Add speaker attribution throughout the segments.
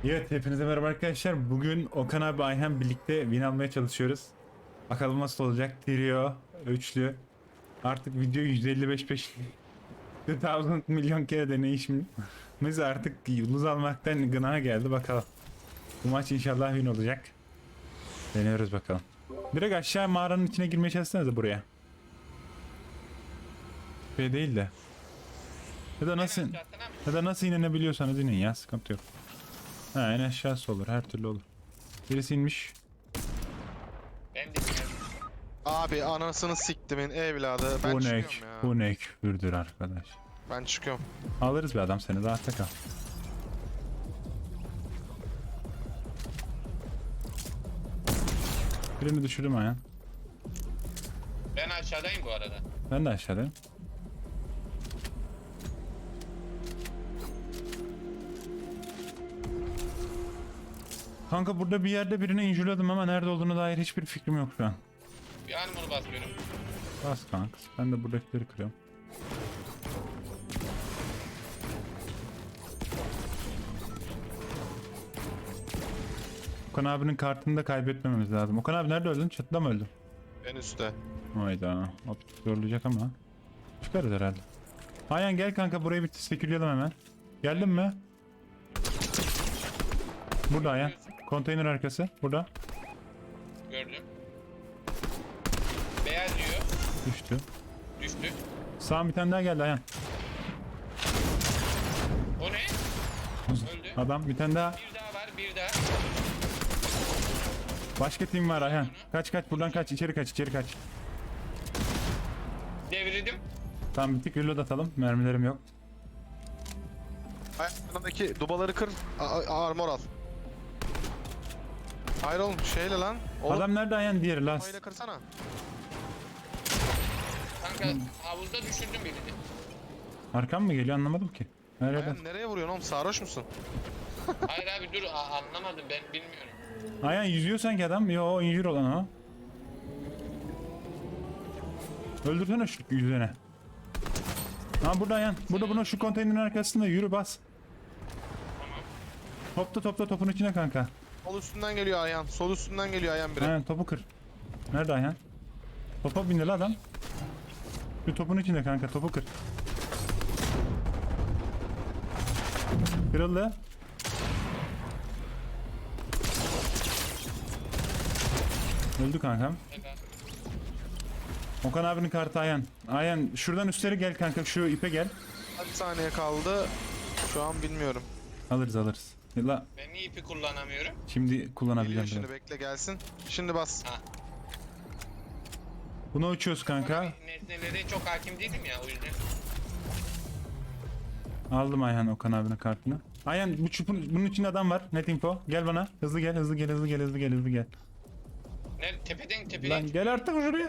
Speaker 1: Evet, hepinize merhaba arkadaşlar. Bugün Okan abi, Ayhan birlikte win almaya çalışıyoruz. Bakalım nasıl olacak. Trio, üçlü. Artık video 155 2000 milyon kere deneyişimiz artık yıldız almaktan gına geldi. Bakalım. Bu maç inşallah win olacak. Deniyoruz bakalım. Direkt aşağı mağaranın içine girmeye çalışsanıza buraya. Şey değil de. Ya da nasıl inebiliyorsanız inin ya, sıkıntı yok. Ha, en aşağısı olur, her türlü olur. Birisi inmiş.
Speaker 2: Ben de bilmiyorum.
Speaker 3: Abi anasını siktimin evladı. Ben
Speaker 1: Bu ne,
Speaker 3: çıkıyorum ya.
Speaker 1: bu ne küfürdür arkadaş.
Speaker 3: Ben çıkıyorum.
Speaker 1: Alırız bir adam seni, rahatta kal. Birini düşürdüm Ayhan.
Speaker 2: Ben aşağıdayım bu arada.
Speaker 1: Ben de aşağıdayım. Kanka burada bir yerde birini injüledim ama nerede olduğunu dair hiçbir fikrim yok şu an.
Speaker 2: Bir armor basıyorum.
Speaker 1: Bas kanka. Ben de buradakileri kırıyorum. Okan abinin kartını da kaybetmememiz lazım. Okan abi nerede öldün? Çatıda mı öldün?
Speaker 3: En üstte.
Speaker 1: Hayda. Optik zorlayacak ama. Çıkarız herhalde. Ayhan gel kanka, burayı bir sekürleyelim hemen. Geldin mi? Burada Ayhan. Konteyner arkası. Burada.
Speaker 2: Gördüm. Beyaz diyor.
Speaker 1: Düştü.
Speaker 2: Düştü.
Speaker 1: Sağ bir tane daha geldi Ayhan.
Speaker 2: O ne? Öldü.
Speaker 1: Adam bir tane daha.
Speaker 2: Bir daha var, bir daha.
Speaker 1: Başka tim var Ayhan. Kaç buradan kaç, içeri kaç.
Speaker 2: Devirdim.
Speaker 1: Tamam, bir tık reload atalım. Mermilerim yok.
Speaker 3: Ayağındaki dubaları kır. Armor al. Hayır oğlum şeyle lan. Oğlum
Speaker 1: Adam nerede Ayhan? Diğeri last.
Speaker 3: dubayla kırsana.
Speaker 2: Kanka havuzda düşürdüm birini.
Speaker 1: Arkam mı geliyor anlamadım ki. Nerede?
Speaker 3: Ayağın nereye vuruyorsun oğlum? Sarhoş musun?
Speaker 2: Hayır abi dur anlamadım ben bilmiyorum.
Speaker 1: Ayhan yüzüyor sanki adam. Yo, o injür olan o. Öldürsene şu yüzüne. Ha burada Ayhan. Burada, bunun şu konteynerin arkasında, yürü bas. Topla topun içine kanka.
Speaker 3: Sol üstünden geliyor ayağın. Sol üstünden geliyor ayağın biri.
Speaker 1: Ayhan topu kır. Nerede Ayhan? Topa bindi lan adam. Şu topun içinde kanka, topu kır. Kırıldı. Öldü kankam.
Speaker 2: Helal.
Speaker 1: Okan abinin kartı Ayhan. Ayhan şuradan üstleri gel kanka, şu ipe gel.
Speaker 3: Kaç saniye kaldı? Şu an bilmiyorum.
Speaker 1: Alırız. La
Speaker 2: Ben niye ipi kullanamıyorum?
Speaker 1: şimdi
Speaker 3: Geliyor
Speaker 1: kullanabileceğim
Speaker 3: şimdi,
Speaker 1: biraz.
Speaker 3: bekle gelsin. Şimdi bas.
Speaker 2: Ha.
Speaker 1: Bunu uçuyoruz kanka.
Speaker 2: Nesnelere çok hakim değilim ya o yüzden.
Speaker 1: Aldım Ayhan Okan abinin kartını. Ayhan bu çupun, bunun içinde adam var. Net info. Gel bana. Hızlı gel.
Speaker 2: Nerede? Tepeden.
Speaker 1: Lan gel artık şuraya.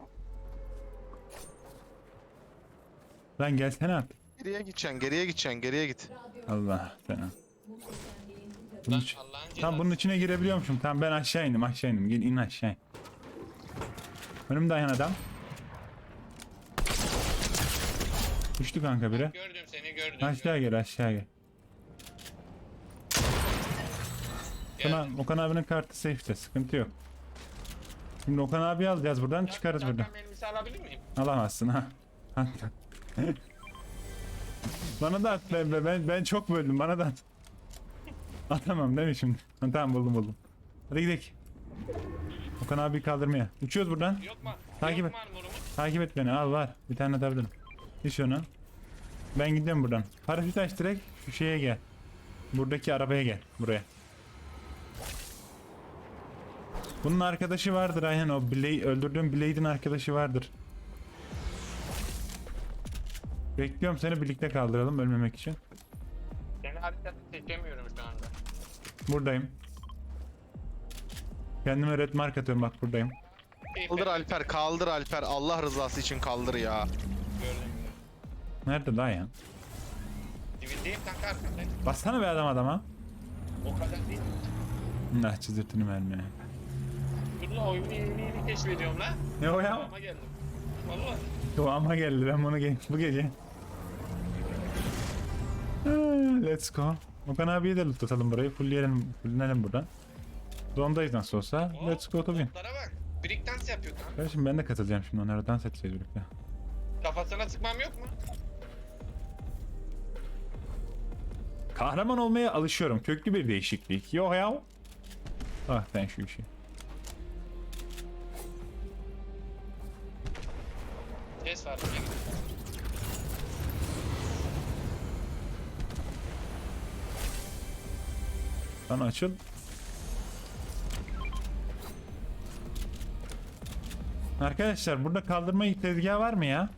Speaker 1: Lan gelsene artık.
Speaker 3: Geriye git.
Speaker 1: Allah fena.
Speaker 2: Lan
Speaker 1: iç-
Speaker 2: Allah'ın
Speaker 1: Tam
Speaker 2: cezası.
Speaker 1: bunun içine girebiliyormuşum. Tamam, ben aşağı indim. Gel in aşağı in. Önümde Ayhan adam. Düştü kanka biri.
Speaker 2: Gördüm seni gördüm.
Speaker 1: Aşağı gel.
Speaker 2: Geldim.
Speaker 1: Okan abinin kartı safe'te. Sıkıntı yok. Şimdi Okan abi alacağız buradan. Çıkarız buradan.
Speaker 2: Şapkan elbise alabilir miyim?
Speaker 1: Alamazsın ha. Bana da at, ben çok böldüm, bana da at. Atamam değil mi şimdi? Ha, tamam buldum. Hadi gidelim. Okan abi kaldırmaya. Uçuyoruz buradan.
Speaker 2: Yok mu?
Speaker 1: Takip
Speaker 2: Yok
Speaker 1: et.
Speaker 2: mu armorumuz?
Speaker 1: Takip et beni, al var. Bir tane atabilirim. Hiç onu. Ben gidiyorum buradan. Paraşüt aç direkt, şu şeye gel. Buradaki arabaya gel, buraya. Bunun arkadaşı vardır Ayhan, o öldürdüğüm Blade'in arkadaşı vardır. Bekliyorum seni, birlikte kaldıralım ölmemek için.
Speaker 2: Seni haritada seçemiyorum şu anda.
Speaker 1: Buradayım. Kendime red mark atıyorum, bak buradayım.
Speaker 3: Kaldır Alper. Allah rızası için kaldır ya.
Speaker 2: Gördüm.
Speaker 1: Nerede daha ya?
Speaker 2: Dibindeyim kanka arkandayım.
Speaker 1: Bassana be adama.
Speaker 2: O kadar değil.
Speaker 1: Nah, çizdirtini verme.
Speaker 2: Burada oyunu yeni keşfediyorum lan.
Speaker 1: Ne o ya?
Speaker 2: Ama geldim. Vallahi.
Speaker 1: Doğama geldi, ben bunu bu gece. Let's go. Okan abiye de loot atalım burayı. Fullleyelim buradan. Zondayız nasıl olsa.
Speaker 2: Oo,
Speaker 1: Let's go to win.
Speaker 2: toplara bak. Break dance yapıyor kanka.
Speaker 1: Kardeşim ben de katılacağım şimdi, onlara dans edeceğiz birlikte.
Speaker 2: Kafasına sıkmam yok mu?
Speaker 1: Kahraman olmaya alışıyorum. Köklü bir değişiklik. Yo ya. Ah sen şu işi.
Speaker 2: Ses var. buraya gidiyor.
Speaker 1: Lan açıl. Arkadaşlar burada kaldırma tezgahı var mı ya?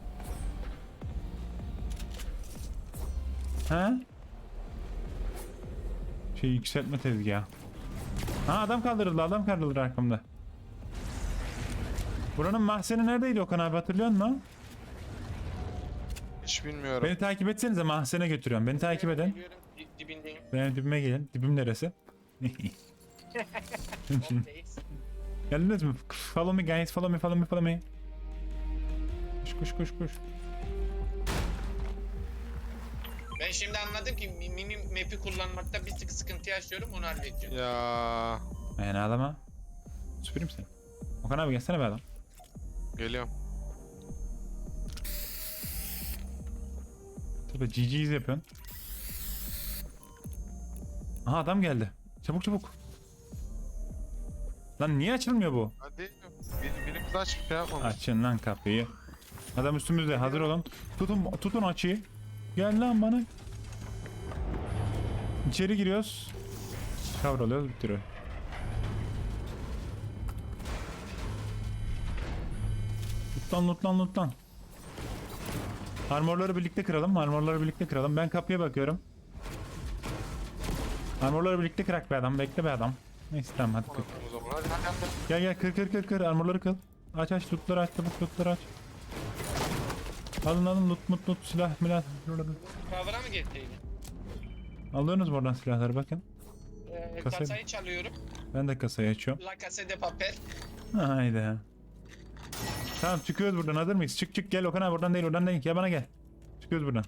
Speaker 1: Ha? Şey yükseltme tezgahı. Ha adam kaldırıldı arkamda. Buranın mahzeni neredeydi Okan abi, hatırlıyor musun?
Speaker 3: Hiç bilmiyorum.
Speaker 1: Beni takip etsenize, mahzene götürüyorum. Beni takip edin.
Speaker 2: Geliyorum, dibindeyim.
Speaker 1: Benim dibime gelin. Dibim neresi?
Speaker 2: Oradayız.
Speaker 1: Geldiniz mi? Follow me guys, follow me. Koş.
Speaker 2: Ben şimdi anladım ki mini map'i kullanmakta bir tık sıkıntı yaşıyorum, onu halledeceğim.
Speaker 3: Ya
Speaker 1: Yani ağlama. Süpüreyim seni. Okan abi gelsene be adam.
Speaker 3: geliyorum.
Speaker 1: Tabii GG'yiz yapıyorsun. Aha adam geldi. Çabuk. Lan niye açılmıyor bu?
Speaker 3: Hadi. Birimiz aç bir şey yapmamış.
Speaker 1: Açın lan kapıyı. Adam üstümüzde, hazır olun. Tutun açıyı. Gel lan bana. İçeri giriyoruz. Kavralıyoruz, bitiriyor. Loot lan. Armorları birlikte kıralım. Ben kapıya bakıyorum. Armorları birlikte kırak be adam. Bekle be adam. Neyse tamam hadi kır.
Speaker 3: O zaman hadi.
Speaker 1: Gel kır. Armorları kır. Aç lootları aç. Çabuk lootları aç. Alın loot silah milah.
Speaker 2: Cover'a mı getirdin?
Speaker 1: Alıyorsunuz mu oradan silahları, bakın. Kasayı-
Speaker 2: Kasayı çalıyorum.
Speaker 1: Ben de kasayı açıyorum.
Speaker 2: La Casa de Papel.
Speaker 1: Haydi. Tamam çıkıyoruz buradan, hazır mıyız? Çık gel Okan abi, oradan değil. Ya bana gel. Çıkıyoruz buradan.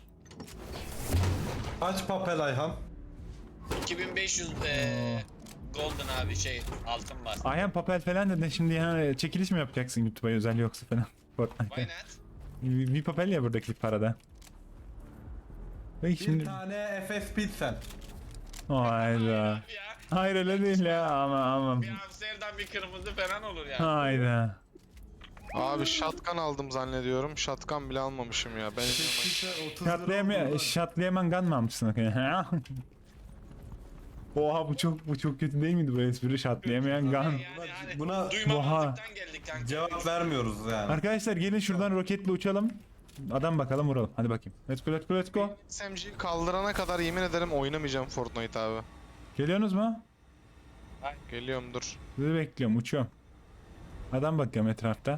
Speaker 4: Aç papel Ayhan.
Speaker 2: 2500 golden abi altın var.
Speaker 1: Ayhan papel falan dedin şimdi, yani çekiliş mi yapacaksın YouTube'a özel yoksa falan? Fortnite'da.
Speaker 2: Why not?
Speaker 1: Bir papel ya buradaki parada. Peki
Speaker 4: Bir
Speaker 1: şimdi...
Speaker 4: tane FF Pilsen.
Speaker 1: Hayda.
Speaker 2: Ya.
Speaker 1: Hayır öyle değil ya, ama.
Speaker 2: Bir Amsterdam bir kırmızı falan olur ya.
Speaker 1: Hayda.
Speaker 3: Abi shotgun aldım zannediyorum. Shotgun bile almamışım ya. Ben
Speaker 4: FF Pilsen 30 lira oldu lan.
Speaker 1: Şatlayaman gun mı almışsın Okan? Oha bu çok kötü değil miydi bu espri? Şatlayamayan gun.
Speaker 2: Yani
Speaker 4: Buna
Speaker 2: duymamazlıktan geldik kanka.
Speaker 4: cevap vermiyoruz yani.
Speaker 1: Arkadaşlar gelin şuradan roketle uçalım. Adam bakalım, vuralım. Hadi bakayım. Let's go.
Speaker 3: SMG'yi kaldırana kadar yemin ederim oynamayacağım Fortnite abi.
Speaker 1: Geliyorsunuz mu?
Speaker 3: Geliyorum dur.
Speaker 1: Sizi bekliyorum, uçuyorum. Adam bakıyorum etrafta.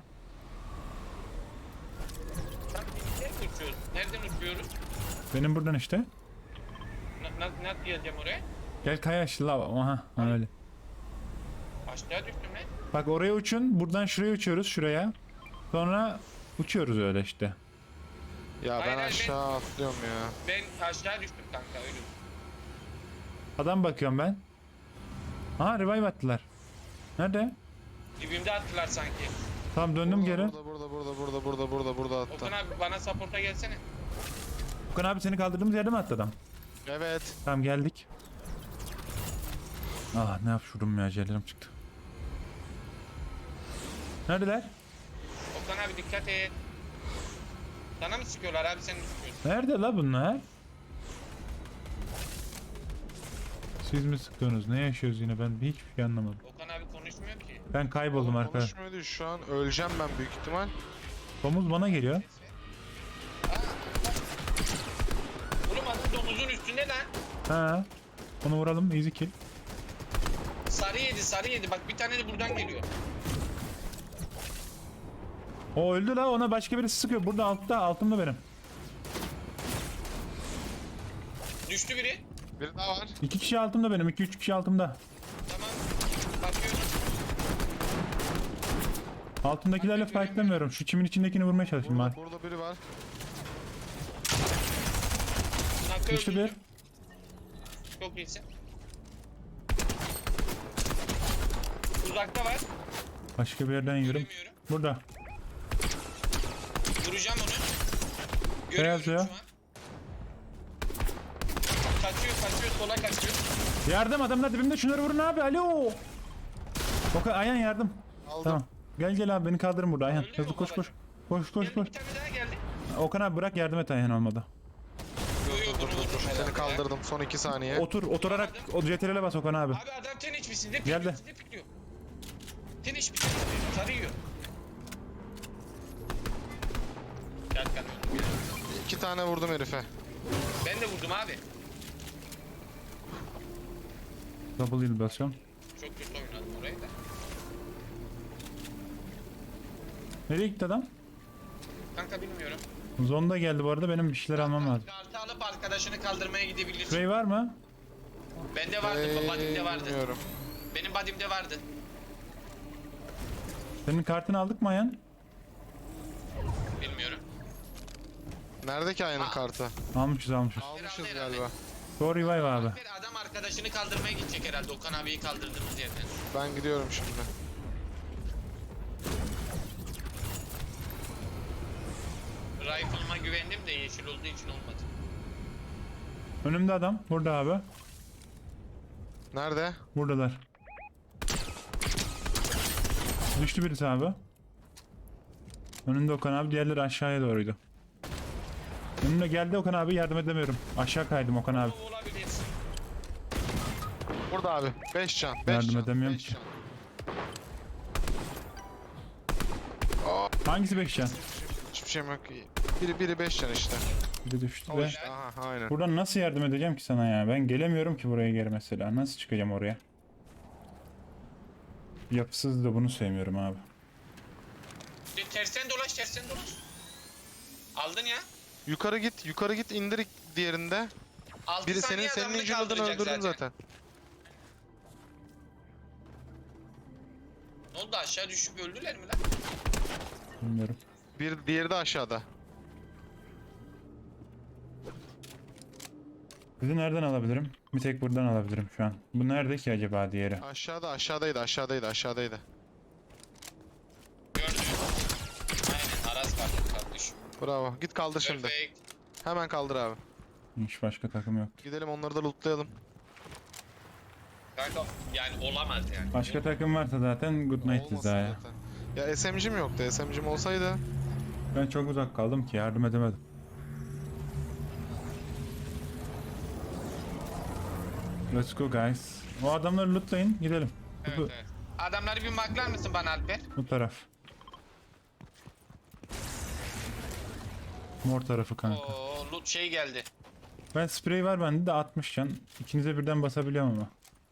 Speaker 2: Nereden uçuyoruz? Nereden uçuyoruz?
Speaker 1: Benim buradan işte.
Speaker 2: Nasıl geleceğim oraya?
Speaker 1: Gel kaya aşağı. Aha öyle.
Speaker 2: Aşağı düştüm lan.
Speaker 1: Bak oraya uçun. Buradan şuraya uçuyoruz, şuraya. Sonra uçuyoruz öyle işte.
Speaker 3: Ya
Speaker 2: Hayır,
Speaker 3: ben
Speaker 2: hayır,
Speaker 3: aşağı atlıyorum ya.
Speaker 2: Ben aşağı düştüm kanka öyle.
Speaker 1: Adam bakıyorum ben. Aha revive attılar. Nerede?
Speaker 2: Dibimde attılar sanki.
Speaker 1: Tamam döndüm geri.
Speaker 3: Burada attı.
Speaker 2: Okan abi bana support'a gelsene.
Speaker 1: Okan abi seni kaldırdığımız yerde mi attı adam?
Speaker 3: Evet.
Speaker 1: Tamam geldik. Ah ne yapışırım ya, ciğerlerim çıktı. Neredeler?
Speaker 2: Okan abi dikkat et. Sana mı sıkıyorlar abi, sen mi sıkıyorsun?
Speaker 1: Nerede la bunlar? Siz mi sıkıyorsunuz? Ne yaşıyoruz yine? Ben hiçbir şey anlamadım.
Speaker 2: Okan abi konuşmuyor ki.
Speaker 1: Ben kayboldum arkadaşlar.
Speaker 3: Konuşmuyordu şu an. Öleceğim ben büyük ihtimal.
Speaker 1: Domuz bana geliyor.
Speaker 2: Oğlum adam domuzun üstünde lan.
Speaker 1: Ha. Onu vuralım, easy kill.
Speaker 2: Sarı yedi bak, bir tane de buradan geliyor.
Speaker 1: O öldü la, ona başka birisi sıkıyor. Burada altımda benim.
Speaker 2: Düştü biri.
Speaker 3: Biri daha var.
Speaker 1: 2 kişi altımda benim. 2-3 kişi altımda.
Speaker 2: Tamam. Bakıyorum.
Speaker 1: Altındakilerle fightlamıyorum. Şu çimin içindekini vurmaya çalışayım bari.
Speaker 3: Burada biri var.
Speaker 2: Nakı
Speaker 1: Düştü bir.
Speaker 2: öldürdüm. Çok iyisin. Uzakta var.
Speaker 1: Başka bir yerden yürüm.
Speaker 2: Göremiyorum.
Speaker 1: Burada.
Speaker 2: Vuracağım onu.
Speaker 1: Beyaz
Speaker 2: Görüyorum
Speaker 1: ya.
Speaker 2: şu an. Kaçıyor sola kaçıyor.
Speaker 1: Yardım, adamlar dibimde, şunları vurun abi. Alo. Ayhan yardım.
Speaker 3: Aldım.
Speaker 1: Tamam. Gel abi, beni kaldırın burada Ayhan.
Speaker 2: Öyle mi
Speaker 1: Hızlı koş.
Speaker 2: babacığım?
Speaker 1: Koş.
Speaker 2: Geldi, bir tane daha geldi.
Speaker 1: Okan abi bırak, yardım et Ayhan olmadı.
Speaker 2: Yo bunu vururum
Speaker 3: Seni
Speaker 2: herhalde ya.
Speaker 3: kaldırdım son 2 saniye.
Speaker 1: Oturarak o CTRL'e bas Okan abi.
Speaker 2: Abi adam ten içmişsin.
Speaker 1: Geldi.
Speaker 2: Ne pikliyor? Ten içmişsin. Sarıyor. Gel kanka.
Speaker 3: 2 tane vurdum herife.
Speaker 2: Ben de vurdum abi.
Speaker 1: Double heal basıyorum.
Speaker 2: Çok kötü oynadım orayı da.
Speaker 1: Nereye gitti adam?
Speaker 2: Kanka bilmiyorum.
Speaker 1: Zonda geldi bu arada, benim bir şeyler almam lazım.
Speaker 2: Kartı alıp arkadaşını kaldırmaya gidebilirsin.
Speaker 1: Spray var mı?
Speaker 2: Bende vardı, badimde vardı.
Speaker 3: Bilmiyorum.
Speaker 2: Benim badimde vardı.
Speaker 1: Senin kartını aldık mı Ayhan?
Speaker 2: Bilmiyorum.
Speaker 3: Nerede ki Ayhan'ın kartı?
Speaker 1: Almışız.
Speaker 3: Almışız
Speaker 2: Herhalde.
Speaker 3: galiba.
Speaker 1: Go revive abi.
Speaker 2: Bir adam arkadaşını kaldırmaya gidecek herhalde. Okan abiyi kaldırdığımız yerden.
Speaker 3: Ben gidiyorum şimdi.
Speaker 2: Rifle'ıma güvendim de yeşil olduğu için olmadı.
Speaker 1: Önümde adam. Burada abi.
Speaker 3: Nerede?
Speaker 1: Buradalar. Düştü birisi abi. Önünde Okan abi, diğerleri aşağıya doğruydu. Önüne geldi Okan abi, yardım edemiyorum. Aşağı kaydım Okan abi.
Speaker 2: O olabilir.
Speaker 3: Burada abi. 5 can. 5
Speaker 1: Yardım
Speaker 3: can.
Speaker 1: edemiyorum
Speaker 3: beş
Speaker 1: ki.
Speaker 3: can.
Speaker 1: Hangisi 5 can?
Speaker 3: Hiçbir şeyim yok. Biri 5 can işte.
Speaker 1: Biri düştü
Speaker 3: O
Speaker 1: de.
Speaker 3: işte. Aha aynen.
Speaker 1: Buradan nasıl yardım edeceğim ki sana ya? Ben gelemiyorum ki buraya geri mesela. Nasıl çıkacağım oraya? Yapısız da bunu sevmiyorum abi.
Speaker 2: Tersten dolaş. Aldın ya.
Speaker 3: Yukarı git indir diğerinde.
Speaker 2: 6
Speaker 3: Biri
Speaker 2: saniye
Speaker 3: senin
Speaker 2: adamını
Speaker 3: injured'ını
Speaker 2: kaldıracak
Speaker 3: öldürdün zaten.
Speaker 2: Ne oldu, aşağı düşüp öldüler mi lan?
Speaker 1: Bilmiyorum.
Speaker 3: Diğeri de aşağıda.
Speaker 1: Bizi nereden alabilirim? Bir tek buradan alabilirim şu an. Bu nerede ki acaba diğeri?
Speaker 3: Aşağıdaydı.
Speaker 2: Gördüm. Aynen, Aras vardı kardeşim.
Speaker 3: Bravo. Git kaldır şimdi.
Speaker 2: Perfect.
Speaker 3: Hemen kaldır abi.
Speaker 1: Hiç başka takım yok.
Speaker 3: Gidelim onları da lootlayalım.
Speaker 2: Kanka yani olamaz yani.
Speaker 1: Başka takım varsa zaten good night
Speaker 3: Olmasın
Speaker 1: Zaya.
Speaker 3: zaten. Ya SMG'm yoktu. SMG'm olsaydı.
Speaker 1: Ben çok uzak kaldım ki yardım edemedim. Let's go guys. O adamları lootlayın, gidelim.
Speaker 2: Evet, evet. Adamları bir maklar mısın bana Alper?
Speaker 1: Bu taraf. Mor tarafı kanka.
Speaker 2: Oo, loot şey geldi.
Speaker 1: Ben sprey var bende de 60 can. İkinize birden basabiliyorum ama.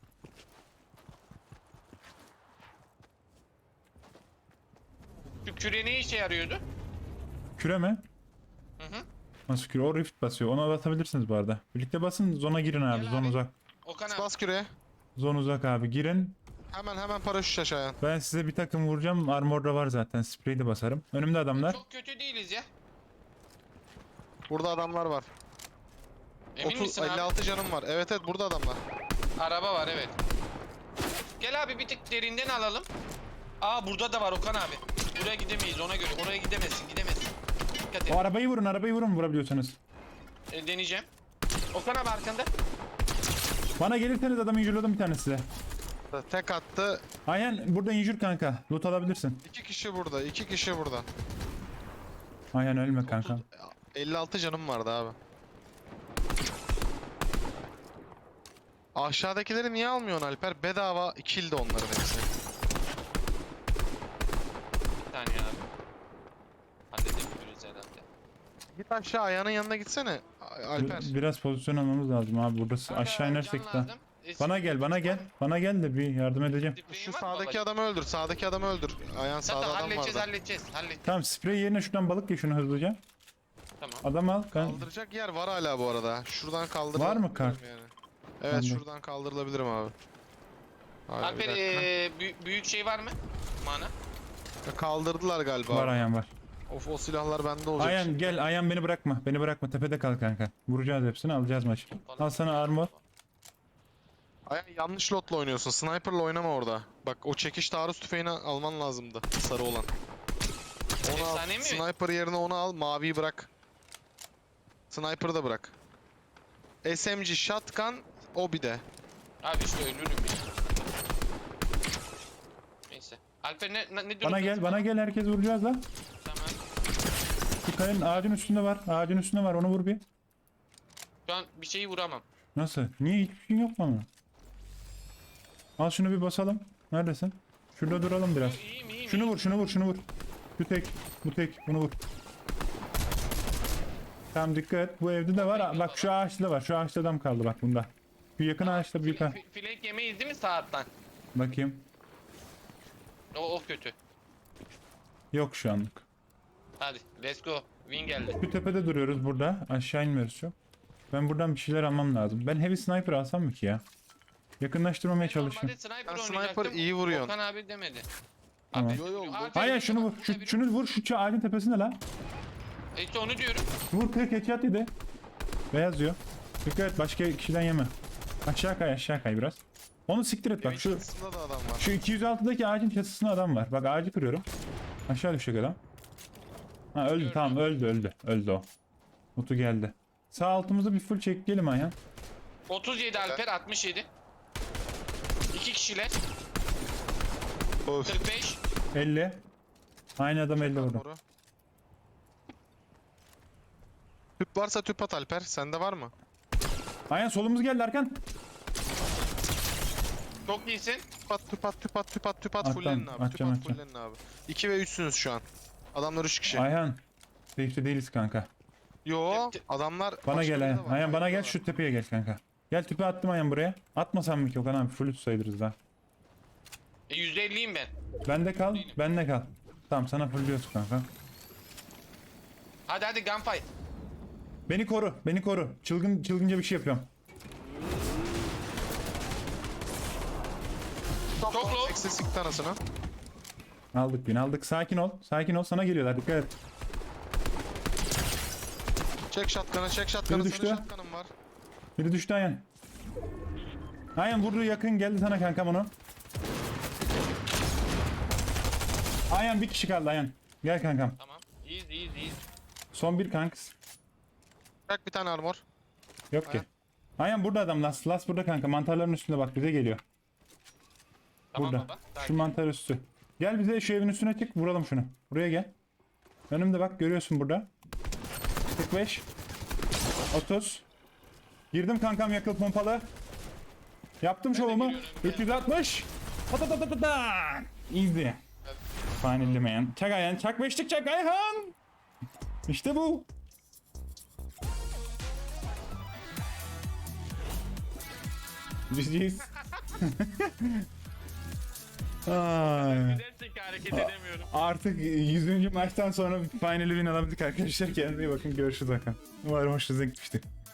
Speaker 2: Şu küre ne işe yarıyordu?
Speaker 1: Küre mi?
Speaker 2: Hı hı.
Speaker 1: Nasıl küre? O rift basıyor. Ona basabilirsiniz bu arada. Birlikte basın, zona girin abi.
Speaker 2: Gel
Speaker 1: Zon
Speaker 2: abi.
Speaker 1: uzak.
Speaker 2: Okan abi.
Speaker 3: Bas küreye.
Speaker 1: Zon uzak abi. Girin.
Speaker 3: Hemen paraşüt aşağıya.
Speaker 1: Ben size bir takım vuracağım. Armor'da var zaten. Sprey de basarım. Önümde adamlar.
Speaker 2: Çok kötü değiliz ya.
Speaker 3: Burada adamlar var.
Speaker 2: Emin misin abi?
Speaker 3: 56 canım var. Evet burada adamlar.
Speaker 2: Araba var evet. Gel abi bir tık derinden alalım. Aa burada da var Okan abi. Buraya gidemeyiz ona göre. Oraya gidemezsin. Dikkat et.
Speaker 1: O arabayı vurun vurabiliyorsanız.
Speaker 2: Deneyeceğim. Okan abi arkanda.
Speaker 1: Bana gelirseniz adamı injurladım bir tane size.
Speaker 3: Tek attı.
Speaker 1: Aynen burada injur kanka. Loot alabilirsin.
Speaker 3: 2 kişi burada.
Speaker 1: Aynen ölme kanka.
Speaker 3: 56 canım vardı abi. Aşağıdakileri niye almıyorsun Alper? Bedava kill'di onların hepsi.
Speaker 2: Bir saniye abi. Halledebiliriz herhalde.
Speaker 3: Git aşağı ayağının yanına gitsene. Alper.
Speaker 1: Biraz pozisyon almamız lazım abi. Burası
Speaker 2: Kanka,
Speaker 1: aşağı inersek
Speaker 2: can
Speaker 1: de.
Speaker 2: lazım.
Speaker 1: Bana gel. Bana gel de bir yardım edeceğim.
Speaker 3: Şu sağdaki adamı öldür. Ayağın sağda
Speaker 2: Zaten
Speaker 3: adam vardı.
Speaker 2: halledeceğiz.
Speaker 1: Tamam, sprey yerine şuradan balık ye şunu hızlıca.
Speaker 2: Tamam.
Speaker 1: Adam al. Ben...
Speaker 3: Kaldıracak yer var hala bu arada. Şuradan kaldır.
Speaker 1: Var mı kart?
Speaker 3: Yani. Evet
Speaker 1: Bende.
Speaker 3: şuradan kaldırılabilirim abi. Abi, bir
Speaker 2: Alper
Speaker 3: dakika.
Speaker 2: büyük şey var mı? Mana.
Speaker 3: Kaldırdılar galiba.
Speaker 1: Var Ayhan var.
Speaker 3: O silahlar bende olacak.
Speaker 1: Ayhan gel. Ayhan beni bırakma. Beni bırakma. Tepede kal kanka. Vuracağız hepsini, alacağız maçı. Al sana armor.
Speaker 3: Ayhan yanlış lotla oynuyorsun. Sniper'la oynama orada. Bak o çekiş taarruz tüfeğini alman lazımdı. Sarı olan. Onu al.
Speaker 2: Efsane mi?
Speaker 3: Sniper yerine onu al. Maviyi bırak. Sniper'ı da bırak. SMG, shotgun, o bir de.
Speaker 2: Abi işte ölürüm ya. Neyse. Alper ne
Speaker 1: Bana gel, bana gel, herkes vuracağız lan.
Speaker 2: Tamam.
Speaker 1: Şu kayanın ağacın üstünde var. Ağacın üstünde var. Onu vur bir.
Speaker 2: Şu an bir şeyi vuramam.
Speaker 1: Nasıl? Niye hiçbir şey yok mu ama? Al şunu bir basalım. Neredesin? Şurada duralım biraz.
Speaker 2: İyiyim.
Speaker 1: Şunu vur, şunu vur, şunu vur. Şu tek, bu tek. Bunu vur. Tamam dikkat et. Bu evde de var. Bak şu ağaçta da var. Şu ağaçta adam kaldı bak bunda. Şu yakın ağaçta bir tane.
Speaker 2: Flank yemeyiz değil mi saatten?
Speaker 1: Bakayım.
Speaker 2: O kötü.
Speaker 1: Yok şu anlık.
Speaker 2: Hadi let's go. Win geldi.
Speaker 1: Şu tepede duruyoruz burada. Aşağı inmiyoruz çok. Ben buradan bir şeyler almam lazım. Ben heavy sniper alsam mı ki ya? Yakınlaştırmamaya çalışayım.
Speaker 2: Normalde sniper
Speaker 3: Ben sniper
Speaker 2: oynayacaktım.
Speaker 3: iyi vuruyorsun.
Speaker 2: Okan abi demedi.
Speaker 1: Tamam.
Speaker 2: Abi,
Speaker 3: Yo, yo,
Speaker 2: Alper
Speaker 1: Hayır
Speaker 2: vurdu
Speaker 1: şunu vur.
Speaker 2: bak, buna
Speaker 1: Şunu vur şu ağacın tepesinde la.
Speaker 2: İşte onu diyorum.
Speaker 1: Vur kırık headshot yedi. Beyaz diyor. Dikkat et başka kişiden yeme. Aşağı kay biraz. Onu siktir et bak
Speaker 3: Evin
Speaker 1: şu
Speaker 3: çatısında da adam var.
Speaker 1: şu 206'daki ağacın çatısında adam var. Bak ağacı kırıyorum. Aşağı düşecek adam. Ha öldü
Speaker 2: Gördüm.
Speaker 1: tamam öldü o. Mutu geldi. Sağ altımızı bir full çekleyelim Ayhan.
Speaker 2: 37 Alper 67. 2 kişiler.
Speaker 3: Of.
Speaker 2: 45.
Speaker 1: 50. Aynı adam 50 orada.
Speaker 3: Doğru. Tüp varsa tüp at Alper. Sende var mı?
Speaker 1: Ayhan solumuz geldi arkan.
Speaker 2: Çok iyisin.
Speaker 3: Tüp at.
Speaker 1: Atlam,
Speaker 3: Fullenin abi.
Speaker 1: atacağım.
Speaker 3: Fullenin abi. 2 ve 3'sünüz şu an. Adamlar 3 kişi.
Speaker 1: Ayhan. Safe'de değiliz kanka.
Speaker 3: Yo adamlar
Speaker 1: Bana
Speaker 3: başka
Speaker 1: gel
Speaker 3: biri de
Speaker 1: Ayhan.
Speaker 3: var.
Speaker 1: Ayhan bana gel
Speaker 3: Bayılıyorlar.
Speaker 1: şu tepeye gel kanka. Gel tüpe attım Ayhan buraya. Atmasam mı ki Okan abi full sayılırız daha.
Speaker 2: %50'yim ben.
Speaker 1: Bende kal. Tamam sana full kanka.
Speaker 2: Hadi gunfight.
Speaker 1: Beni koru. Çılgınca bir şey yapıyorum.
Speaker 2: Çok low.
Speaker 3: Eksi sikti anasını.
Speaker 1: Aldık. Sakin ol. Sana geliyorlar dikkat et.
Speaker 3: Çek shotgun'ı.
Speaker 1: Biri
Speaker 3: Senin
Speaker 1: düştü.
Speaker 3: shotgun'ın var.
Speaker 1: Biri düştü Ayhan. Ayhan vurdu yakın geldi sana kankam onu. Ayhan bir kişi kaldı Ayhan. Gel kankam.
Speaker 2: Tamam. İyiyiz.
Speaker 1: Son bir kanks.
Speaker 3: Bırak bir tane armor.
Speaker 1: Yok ki.
Speaker 3: Ayhan.
Speaker 1: Ayhan burada adam. Las burada kanka. Mantarların üstünde bak bize geliyor.
Speaker 2: Tamam
Speaker 1: Burada.
Speaker 2: baba.
Speaker 1: Şu
Speaker 2: Sakin.
Speaker 1: mantar üstü. Gel bize şu evin üstüne çık vuralım şunu. Buraya gel. Önümde bak görüyorsun burada. 45. 30. Girdim kankam yakıl pompalı. Yaptım şovumu.
Speaker 2: giriyorum,
Speaker 1: 360. Patatatatata. Easy. Fanillemeyen. Çak Ayhan. Çak beşlik çak Ayhan. İşte bu. GG's. Ay.
Speaker 2: Gerçekten hareket edemiyorum.
Speaker 1: Artık 100. maçtan sonra finali win alabildik arkadaşlar. Kendinize iyi bakın. Görüşürüz bakalım. Umarım hoşunuza gitmiştir.